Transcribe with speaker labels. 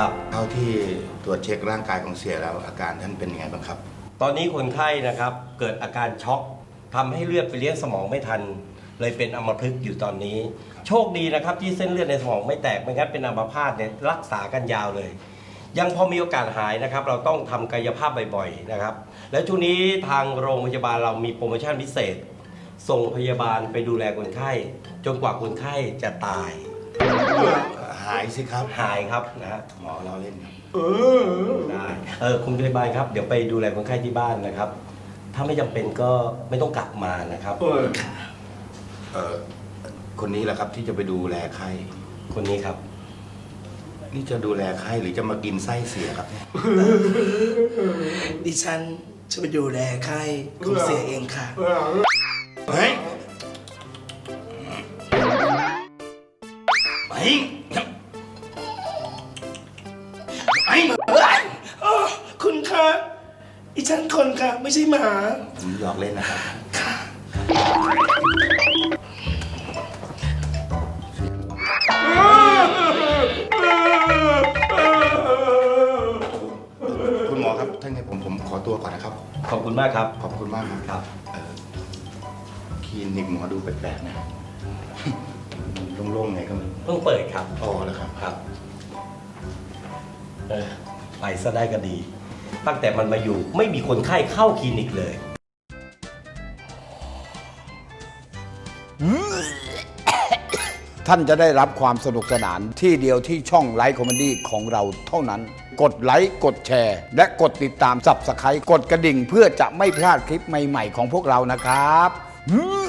Speaker 1: ครับเท่าที่ตรวจเช็คร่างกายของเสียแล้วอาการท่านเป็นยังไงบ้างครับ
Speaker 2: ตอนนี้คนไข้นะครับเกิดอาการช็อกทำให้เลือดไปเลี้ยงสมองไม่ทัน เลยเป็นอัมพฤกษ์อยู่ตอนนี้ โชคดีนะครับที่เส้นเลือดในสมองไม่แตกไม่งั้นเป็นอัมพาตเนี่ยรักษากันยาวเลย ยังพอมีโอกาสหายนะครับเราต้องทำกายภาพบ่อยๆนะครับและช่วงนี้ทางโรงพยาบาลเรามีโปรโมชั่นพิเศษ ส่งพยาบาลไปดูแลคนไข้ จนกว่าคนไข้จะตาย
Speaker 1: หายสิครับ
Speaker 2: หายครับนะฮะ
Speaker 1: หมอเราเล่นครับ
Speaker 2: ได้คุณพยาบาลครับเดี๋ยวไปดูแลคนไข้ที่บ้านนะครับ ถ้าไม่จำเป็นก็ไม่ต้องกลับมานะครับ
Speaker 1: คนนี้แหละครับที่จะไปดูแลไข้
Speaker 2: คนนี้ครับ
Speaker 1: นี่จะดูแลไข้หรือจะมากินไส้เสียครับเนี่ย
Speaker 3: ดิฉันจะไปดูแลไข้ของเสียเองค่ะ
Speaker 1: เฮ้ยไปไป
Speaker 3: คุณคะดิฉันคนค่ะ ไม่ใช่หมา
Speaker 1: ผมหยอกเล่นนะครับคุณหมอครับท่านไงผมขอตัวก่อนนะครับ
Speaker 2: ขอบคุณมากครับ
Speaker 1: ขอบคุณมากครับ
Speaker 2: ครับ
Speaker 1: คลินิกหมอดูแปลกๆนะ โล่งๆไงก็ไม่รู้
Speaker 2: เพิ่งเปิดครับ
Speaker 1: อ๋อแล้วครับ
Speaker 2: ครับไปซะได้ก็ดี ตั้งแต่มันมาอยู่ไม่มีคนไข้เข้าคลินิกเลย
Speaker 4: ท่านจะได้รับความสนุกสนานที่เดียวที่ช่องไลฟ์คอมเมดี้ของเราเท่านั้น กดไลค์กดแชร์ และกดติดตามSubscribeกดกระดิ่งเพื่อจะไม่พลาดคลิปใหม่ๆของพวกเรานะครับ